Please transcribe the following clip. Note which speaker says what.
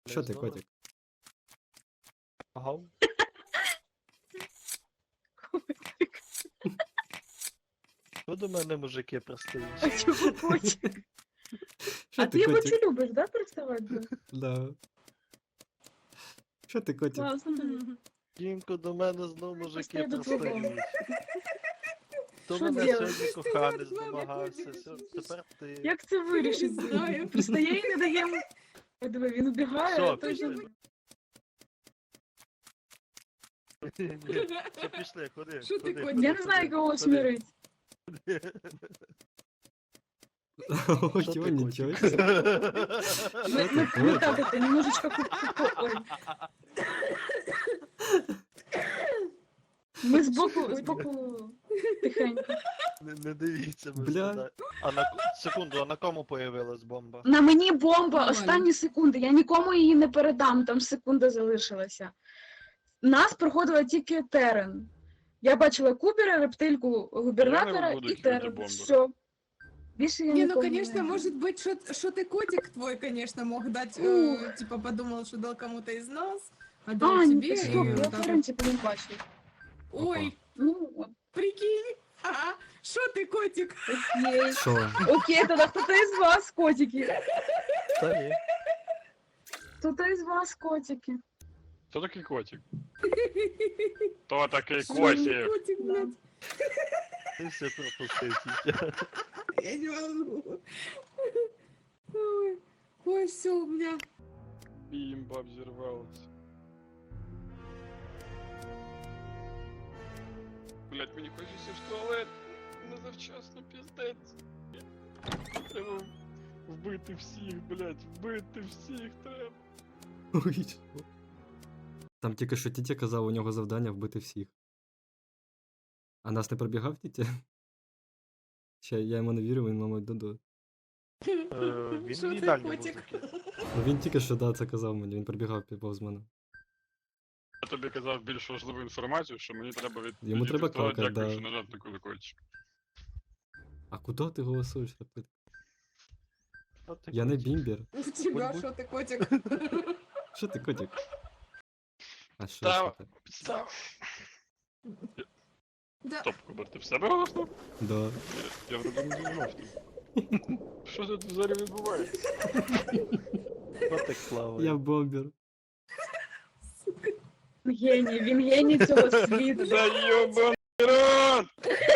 Speaker 1: Що ти, котик?
Speaker 2: Ага. Що до мене мужики пристають?
Speaker 3: А чого котик?
Speaker 1: Що
Speaker 3: А
Speaker 1: ти,
Speaker 3: ти його
Speaker 1: котик?
Speaker 3: чи любиш, да, приставати?
Speaker 1: Да. Що ти, котик?
Speaker 3: Класно.
Speaker 2: Дімко, до мене знову мужики
Speaker 3: Пристаю до твого.
Speaker 2: пристають. То
Speaker 3: Що
Speaker 2: мене
Speaker 3: делать?
Speaker 2: сьогодні коханець домагався, тепер ти.
Speaker 3: Як це вирішить?
Speaker 4: Знаю.
Speaker 3: Пристає і не дає йому. Ой, диви, він убігає,
Speaker 2: Все,
Speaker 3: а той же...
Speaker 2: пішли. Ні, все, пішли, ходи.
Speaker 4: Що ти,
Speaker 2: ходи,
Speaker 4: котик?
Speaker 2: ходи,
Speaker 3: Я не знаю,
Speaker 2: ходи,
Speaker 3: кого
Speaker 2: ходи.
Speaker 3: смирить.
Speaker 1: О,
Speaker 2: Що ти,
Speaker 1: чого, нічого.
Speaker 2: котик?
Speaker 3: Мы так это, немножечко ой. Ми збоку тихенько.
Speaker 2: Не дивіться, ми
Speaker 1: Бля.
Speaker 2: сюди. Секунду, а на кому появилась бомба?
Speaker 3: На мені бомба,
Speaker 4: Нормально.
Speaker 3: останні секунди. Я нікому її не передам, там секунда залишилася. Нас проходила тільки Терен. Я бачила Кубера, рептильку, губернатора
Speaker 5: буду
Speaker 3: і
Speaker 5: кидати
Speaker 3: Терен.
Speaker 5: бомби.
Speaker 3: Все. Більше я
Speaker 4: Не, ну,
Speaker 3: нікому
Speaker 4: конечно,
Speaker 3: не...
Speaker 4: может быть, что ты котик твой, конечно, мог дать, типа, подумал, что дал кому-то из нас, а дал
Speaker 3: А,
Speaker 4: тебе.
Speaker 3: ні, стоп,
Speaker 4: и
Speaker 3: я
Speaker 4: вот так
Speaker 3: Терен типу не бачив.
Speaker 4: вот. Ой,
Speaker 3: Ну,
Speaker 4: прикинь, ага, что ты котик?
Speaker 3: окей.
Speaker 1: Що?
Speaker 3: Окей, тоді хто-то із вас, котики.
Speaker 2: Та ні.
Speaker 3: Хто-то із вас, котики.
Speaker 5: Хто такий котик? Хто такий
Speaker 4: Что не
Speaker 5: котик?
Speaker 4: котик, блядь?
Speaker 2: Ти все пропустив, Тітя.
Speaker 4: Я не могу. Ой, все, у меня.
Speaker 5: Бімба взірвалась. Блять, мені хочеться в туалет. Не завчасно, піздець. Треба вбити всіх, блять, вбити всіх треба.
Speaker 1: Ой, що? Там тільки що Тітя казав, у нього завдання вбити всіх. А нас не пробігав Тітя? Ще я йому не вірю, він, мабуть, Додо.
Speaker 2: Він
Speaker 4: Що
Speaker 2: в
Speaker 4: ти,
Speaker 2: їдальні
Speaker 4: котик?
Speaker 2: мужики.
Speaker 1: Ну він тільки що да, це казав мені, він пробігав повз мене.
Speaker 5: Я тобі казав більш важливу інформацію, що мені треба від...
Speaker 1: Йому треба
Speaker 5: відповідати,
Speaker 1: какать,
Speaker 5: дякую,
Speaker 1: да.
Speaker 5: що нажав на кулакочок.
Speaker 1: А куди ти голосуєш? Рептилька?
Speaker 2: Що ти,
Speaker 1: Я не
Speaker 2: котик?
Speaker 1: бімбір.
Speaker 4: У тебя
Speaker 2: Будь-будь.
Speaker 4: что ты котик?
Speaker 1: Що ти, котик? А що
Speaker 5: Та-
Speaker 1: що ти?
Speaker 5: Підстав.
Speaker 4: Да.
Speaker 5: Стоп, Кубер, ти в себе голоснув?
Speaker 1: Да.
Speaker 5: Я вроде не думав. Що тут взагалі відбувається?
Speaker 2: Котик плаває.
Speaker 1: Я бомбір.
Speaker 3: Геній, він геній цього світу.
Speaker 5: Да ёбаный рот!